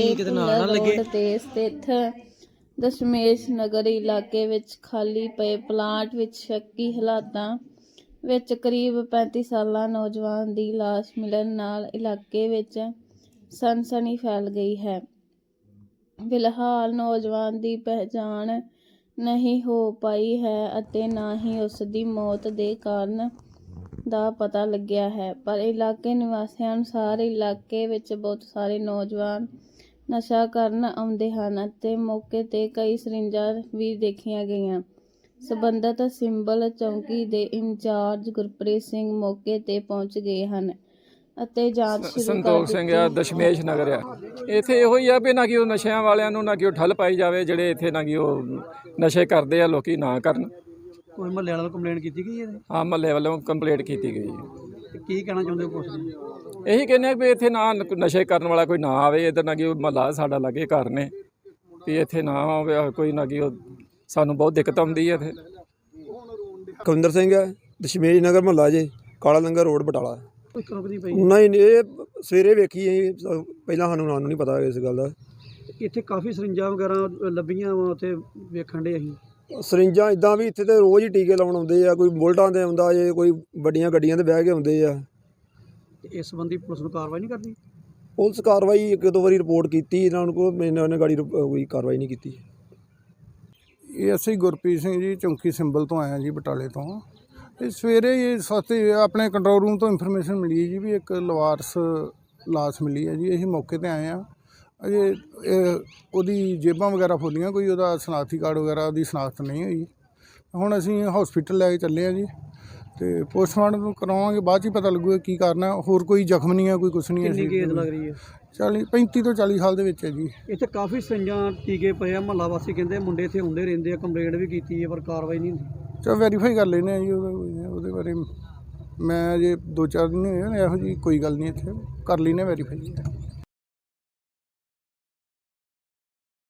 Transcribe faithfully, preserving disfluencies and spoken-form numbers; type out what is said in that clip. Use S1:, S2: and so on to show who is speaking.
S1: Road ਤੇ ਸਥਿਤ ਦਸ਼ਮੇਸ਼ ਨਗਰ ਇਲਾਕੇ ਵਿੱਚ ਖਾਲੀ ਪਏ ਪਲਾਟ ਵਿੱਚ ਸ਼ੱਕੀ ਹਾਲਾਤਾਂ ਵਿੱਚ ਕਰੀਬ ਪੈਂਤੀ ਸਾਲਾ ਨੌਜਵਾਨ ਦੀ ਲਾਸ਼ ਮਿਲਣ ਨਾਲ ਇਲਾਕੇ ਵਿੱਚ ਸਨਸਨੀ ਫੈਲ ਗਈ ਹੈ। ਫਿਲਹਾਲ ਨੌਜਵਾਨ ਦੀ ਪਹਿਚਾਣ ਨਹੀਂ ਹੋ ਪਾਈ ਹੈ ਅਤੇ ਨਾ ਹੀ ਉਸ ਦੀ ਮੌਤ ਦੇ ਕਾਰਨ ਦਾ ਪਤਾ ਲੱਗਿਆ ਹੈ, ਪਰ ਇਲਾਕੇ ਨਿਵਾਸੀਆਂ ਅਨੁਸਾਰ ਇਲਾਕੇ ਵਿੱਚ ਬਹੁਤ ਸਾਰੇ ਨੌਜਵਾਨ ਨਸ਼ਾ ਕਰਨ ਆਉਂਦੇ ਹਨ ਅਤੇ ਮੌਕੇ ਤੇ ਕਈ ਸਰਿੰਜਾਂ ਵੀ ਦੇਖੀਆਂ ਗਈਆਂ। ਸਬੰਧਤ ਸਿੰਬਲ ਚੌਂਕੀ ਦੇ ਇੰਚਾਰਜ ਗੁਰਪ੍ਰੀਤ ਸਿੰਘ ਮੌਕੇ ਤੇ ਪਹੁੰਚ ਗਏ ਹਨ ਅਤੇ ਜਾਂਚ ਸ਼ੁਰੂ ਕਰ ਦਿੱਤੀ।
S2: ਸੰਤੋਖ ਸਿੰਘ ਆ, ਦਸ਼ਮੇਸ਼ ਨਗਰ ਆ। ਇੱਥੇ ਇਹੋ ਹੀ ਆ ਵੀ ਨਾ ਕਿ ਉਹ ਨਸ਼ਿਆਂ ਵਾਲਿਆਂ ਨੂੰ ਨਾ ਕਿ ਉਹ ਠੱਲ ਪਾਈ ਜਾਵੇ, ਜਿਹੜੇ ਇੱਥੇ ਨਾ ਕਿ ਉਹ ਨਸ਼ੇ ਕਰਦੇ ਆ ਲੋਕੀ ਨਾ ਕਰਨ।
S3: ਕੋਈ ਮਹੱਲੇ ਵਾਲਿਆਂ ਨੂੰ ਕੰਪਲੇਂਟ ਕੀਤੀ ਗਈ ਹੈ?
S2: ਹਾਂ, ਮਹੱਲੇ ਵੱਲੋਂ ਕੰਪਲੇਂਟ ਕੀਤੀ ਗਈ ਹੈ।
S3: ਤੇ ਕੀ ਕਹਿਣਾ ਚਾਹੁੰਦੇ ਹੋ ਪੁਲਿਸ ਨੂੰ?
S2: ਇਹੀ ਕਹਿੰਦੇ ਆ ਵੀ ਇੱਥੇ ਨਾ ਨਸ਼ੇ ਕਰਨ ਵਾਲਾ ਕੋਈ ਨਾ ਆਵੇ ਇੱਧਰ, ਨਾ ਕਿ ਉਹ ਮਹੱਲਾ ਸਾਡਾ ਲਾਗੇ ਘਰ ਨੇ, ਵੀ ਇੱਥੇ ਨਾ ਆਵੇ ਕੋਈ, ਨਾ ਕਿ ਉਹ ਸਾਨੂੰ ਬਹੁਤ ਦਿੱਕਤ ਆਉਂਦੀ ਹੈ ਇੱਥੇ।
S4: ਕੁਲਵਿੰਦਰ ਸਿੰਘ ਹੈ, ਦਸ਼ਮੇਸ਼ ਨਗਰ ਮਹੱਲਾ ਜੇ, ਕਾਲਾ ਲੰਗਰ ਰੋਡ ਬਟਾਲਾ। ਨਹੀਂ ਨਹੀਂ, ਇਹ ਸਵੇਰੇ ਵੇਖੀ ਅਸੀਂ, ਪਹਿਲਾਂ ਸਾਨੂੰ ਨਾਂ ਨੂੰ ਨਹੀਂ ਪਤਾ ਇਸ ਗੱਲ ਦਾ।
S3: ਇੱਥੇ ਕਾਫੀ ਸਰਿੰਜਾਂ ਵਗੈਰਾ ਲੱਭੀਆਂ ਵਾ, ਉੱਥੇ ਵੇਖਣ ਦੇ ਅਸੀਂ
S4: ਸਰਿੰਜਾਂ ਇੱਦਾਂ ਵੀ ਇੱਥੇ ਤੇ ਰੋਜ਼ ਹੀ ਟੀਕੇ ਲਾਉਣ ਆਉਂਦੇ ਆ, ਕੋਈ ਬੁਲਟਾਂ 'ਤੇ ਆਉਂਦਾ ਜੇ, ਕੋਈ ਵੱਡੀਆਂ ਗੱਡੀਆਂ 'ਤੇ ਬਹਿ ਕੇ ਆਉਂਦੇ ਆ।
S3: ਇਸ ਸੰਬੰਧੀ ਪੁਲਿਸ ਨੂੰ ਕਾਰਵਾਈ ਨਹੀਂ ਕਰਦੀ?
S4: ਪੁਲਿਸ ਕਾਰਵਾਈ ਇੱਕ ਦੋ ਵਾਰੀ ਰਿਪੋਰਟ ਕੀਤੀ ਇਹਨਾਂ ਨੂੰ, ਕੋਈ ਇਹਨਾਂ ਨੇ ਗਾੜੀ ਕੋਈ ਕਾਰਵਾਈ ਨਹੀਂ ਕੀਤੀ।
S5: ਇਹ ਅਸੀਂ ਗੁਰਪ੍ਰੀਤ ਸਿੰਘ ਜੀ, ਚੌਂਕੀ ਸਿੰਬਲ ਤੋਂ ਆਏ ਹਾਂ ਜੀ, ਬਟਾਲੇ ਤੋਂ। ਇਹ ਸਵੇਰੇ ਇਹ ਸਸਤੇ ਆਪਣੇ ਕੰਟਰੋਲ ਰੂਮ ਤੋਂ ਇਨਫੋਰਮੇਸ਼ਨ ਮਿਲੀ ਹੈ ਜੀ ਵੀ ਇੱਕ ਲਵਾਰਸ ਲਾਸ਼ ਮਿਲੀ ਹੈ ਜੀ। ਅਸੀਂ ਮੌਕੇ 'ਤੇ ਆਏ ਹਾਂ। ਅਜੇ ਇਹ ਉਹਦੀ ਜੇਬਾਂ ਵਗੈਰਾ ਫੋਲੀਆਂ, ਕੋਈ ਉਹਦਾ ਸ਼ਨਾਖਤੀ ਕਾਰਡ ਵਗੈਰਾ ਉਹਦੀ ਸ਼ਨਾਖਤ ਨਹੀਂ ਹੋਈ। ਹੁਣ ਅਸੀਂ ਹੌਸਪੀਟਲ ਲੈ ਕੇ ਚੱਲੇ ਹਾਂ ਜੀ, ਅਤੇ ਪੋਸਟਮਾਰਟਮ ਕਰਵਾਵਾਂਗੇ, ਬਾਅਦ 'ਚ ਹੀ ਪਤਾ ਲੱਗੂਗਾ ਕੀ ਕਰਨਾ। ਹੋਰ ਕੋਈ ਜ਼ਖਮ ਨਹੀਂ ਹੈ, ਕੋਈ ਕੁਛ ਨਹੀਂ ਹੈ।
S3: ਕਿੰਨੀ ਏਜ ਲੱਗ ਰਹੀ ਹੈ?
S5: ਚਾਲੀ ਪੈਂਤੀ ਤੋਂ ਚਾਲੀ ਸਾਲ ਦੇ ਵਿੱਚ ਹੈ ਜੀ।
S3: ਇੱਥੇ ਕਾਫੀ ਸਰਿੰਜਾਂ ਟੀਕੇ ਪਏ ਆ, ਮਹੱਲਾ ਵਾਸੀ ਕਹਿੰਦੇ ਮੁੰਡੇ ਇੱਥੇ ਹੁੰਦੇ ਰਹਿੰਦੇ ਆ, ਕੰਪਲੇਂਟ ਵੀ ਕੀਤੀ ਹੈ ਪਰ ਕਾਰਵਾਈ ਨਹੀਂ ਹੁੰਦੀ।
S5: ਚਲੋ ਵੈਰੀਫਾਈ ਕਰ ਲੈਂਦੇ ਹਾਂ ਜੀ, ਉਹਦਾ ਉਹਦੇ ਬਾਰੇ ਮੈਂ ਅਜੇ ਦੋ ਚਾਰ ਦਿਨ ਹੋਏ ਇਹੋ ਜਿਹੀ ਕੋਈ ਗੱਲ ਨਹੀਂ, ਇੱਥੇ ਕਰ ਲੈਂਦੇ ਵੈਰੀਫਾਈ।